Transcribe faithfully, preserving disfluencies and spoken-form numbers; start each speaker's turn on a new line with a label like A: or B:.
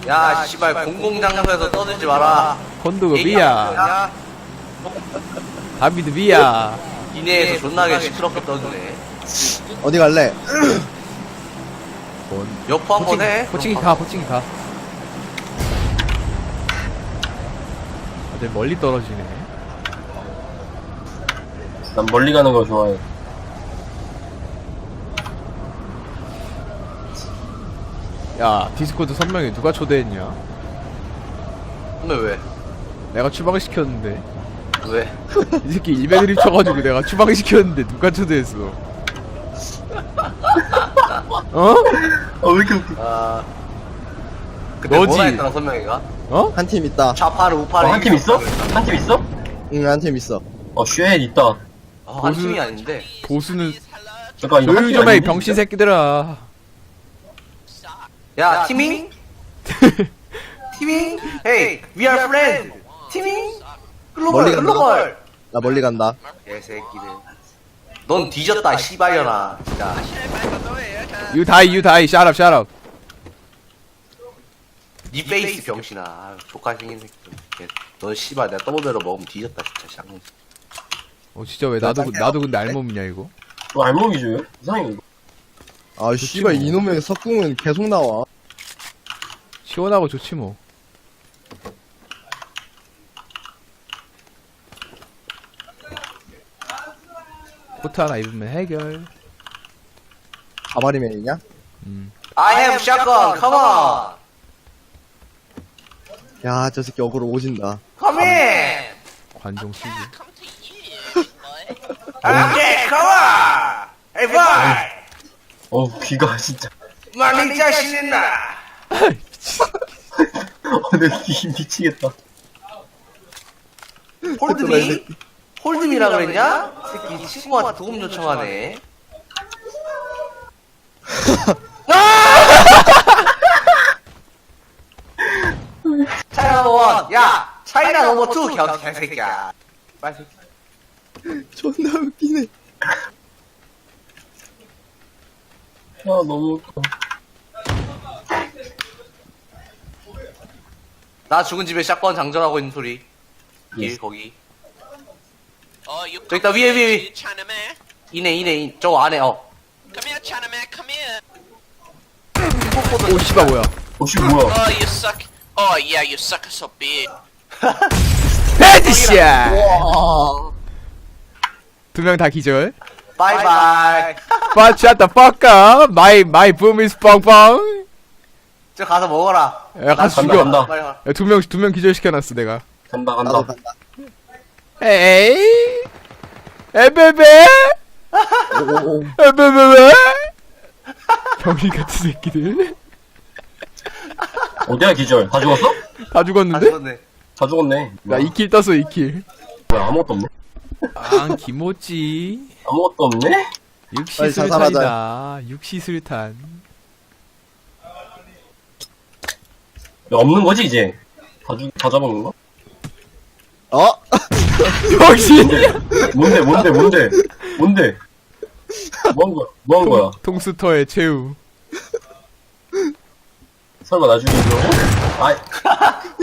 A: 야, 씨발, 공공장소에서 떠들지 마라.
B: 건드가
A: 얘기
B: 미야.
A: 야,
B: 다비드 미야.
A: 이내에서 존나게 시끄럽게 떠드네.
C: 어디 갈래?
B: 뭔.
A: 여포 한번 해.
B: 호칭이 가, 호칭이 가. 다들 멀리 떨어지네.
D: 난 멀리 가는 걸 좋아해.
B: 야, 디스코드 선명히 누가 초대했냐?
A: 근데 왜?
B: 내가 추방을 시켰는데.
A: 왜?
B: 이 새끼 일베 드립 쳐가지고 내가 추방을 시켰는데 누가 초대했어? 어?
D: 어, 왜 이렇게 웃겨.
A: 아. 그때
B: 너지.
A: 뭐라 했더라, 선명이가?
B: 어?
C: 한 팀 있다.
A: 좌파를 우파를.
D: 어, 한 팀 있어? 한 팀 있어?
C: 응, 한 팀 있어.
D: 어, 쉣, 있다.
A: 어, 한 팀이 아닌데.
B: 보수는
D: 잠깐, 이거 한
B: 조용
D: 팀이
B: 좀 해,
D: 아닌데?
B: 병신 새끼들아.
A: 야, 티밍? 티밍? Hey, we are friends. 티밍? 글로벌,
C: 멀리 간다.
A: 글로벌.
C: 나 멀리 간다.
A: 개새끼들. 넌 뒤졌다, 씨발려나. 진짜.
B: You die, you die. Shut up, shut up.
A: 니 페이스 병신아. 아유, 족할 생긴 새끼. 걔, 넌 씨발 내가 더블배로 먹으면 뒤졌다, 진짜. 쌍문.
B: 어, 진짜 왜 나도, 나도 근데 알몸이냐, 이거?
D: 뭐 알몸이죠, 왜? 이상해, 이거.
C: 아, 씨발, 이놈의 석궁은 계속 나와.
B: 시원하고 좋지, 뭐. 코트 하나 입으면 해결.
C: 가마리맨이냐?
B: 음.
A: I have shotgun, come on!
C: 야, 저 새끼 어그로 오진다.
A: Come in!
B: 관종 시기.
A: Okay, come on! Hey, boy!
D: 어, 귀가 진짜.
A: 많이 자신있나?
D: 어, 내 귀 미치겠다.
A: 홀드미? 홀드미라 그랬냐? 새끼 친구한테 도움 요청하네. 차이나 넘버 원! 야! 차이나 넘버 투! 겨, 개새끼야. 빨리 새끼.
C: 존나 웃기네.
D: 야, 너무 웃겨.
A: 나 죽은 집에 샷건 장전하고 있는 소리. 길,
D: 예.
A: 거기.
E: Oh, you
A: 저기 있다, 위에, 위에, 위에.
E: Chinaman.
A: 이네, 이네, 이, 저 안에, 어.
E: Come here, Chinaman. Come here.
B: 오, 씨발, 뭐야.
D: 어, 씨, 뭐야.
E: Oh, you suck. Oh, yeah, you suck so big.
B: 헤드샷! 두 명 다 기절.
A: 바이바이.
B: But shut the fuck up. My, my boom is 뻥뻥.
A: 저 가서 먹어라.
B: 야, 가서
D: 간다,
B: 죽여.
D: 간다.
A: 빨리 가.
B: 야, 두 명, 두 명 기절시켜놨어, 내가.
D: 간다,
C: 나도
D: 간다.
C: 간다.
B: 에이? 에베베?
C: 오오오.
B: 에베베베? 병신 같은 새끼들.
D: 어디야, 기절? 다 죽었어?
B: 다
A: 다
B: 죽었는데?
A: 죽었네.
D: 다 죽었네.
B: 나 이 킬 떴어, 이 킬.
D: 뭐야, 아무것도 없네?
B: 아, 김오찌.
D: 아무것도 없네?
B: 육시
C: 빨리
B: 술탄이다. 육시 술탄.
D: 야, 없는 거지, 이제? 다 죽, 다 잡아먹는 거?
C: 어?
B: 병신!
D: 뭔데, 뭔데, 뭔데? 뭔데? 뭐 한 거야? 뭐 한 거야?
B: 통수터의 최후.
D: 설마 나중에 이거? 아이.